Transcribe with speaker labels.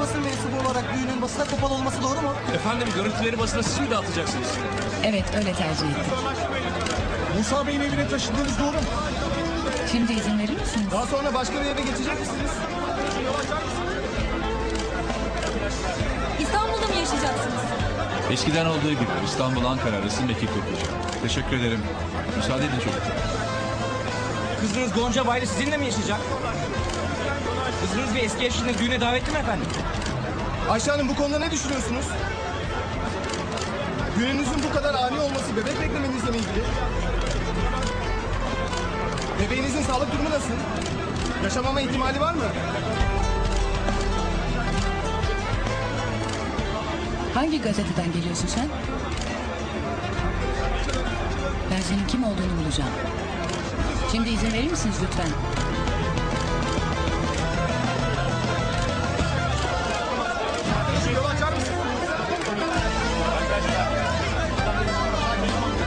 Speaker 1: basın mensubu olarak düğünün basına kapalı olması doğru mu?
Speaker 2: Efendim görüntüleri basına siz mi dağıtacaksınız?
Speaker 3: Evet, öyle tercih ettik.
Speaker 1: Musa Bey'in evine taşındığınız doğru mu?
Speaker 3: Şimdi izin verir misiniz?
Speaker 1: Daha sonra başka bir eve geçecek misiniz?
Speaker 4: İstanbul'da mı yaşayacaksınız?
Speaker 5: Eskiden olduğu gibi İstanbul-Ankara arası mekik kuracağım. Teşekkür ederim. Müsaade edin çocuklar.
Speaker 6: Kızınız Gonca Baylı sizinle mi yaşayacak? Kızınız bir eski eşini düğüne davetli mi efendim?
Speaker 1: Ayşe Hanım bu konuda ne düşünüyorsunuz? Düğününüzün bu kadar ani olması bebek beklemenizle mi ilgili? Bebeğinizin sağlık durumu nasıl? Yaşamama ihtimali var mı?
Speaker 3: Hangi gazeteden geliyorsun sen? Ben senin kim olduğunu bulacağım. Şimdi izin verir misiniz lütfen?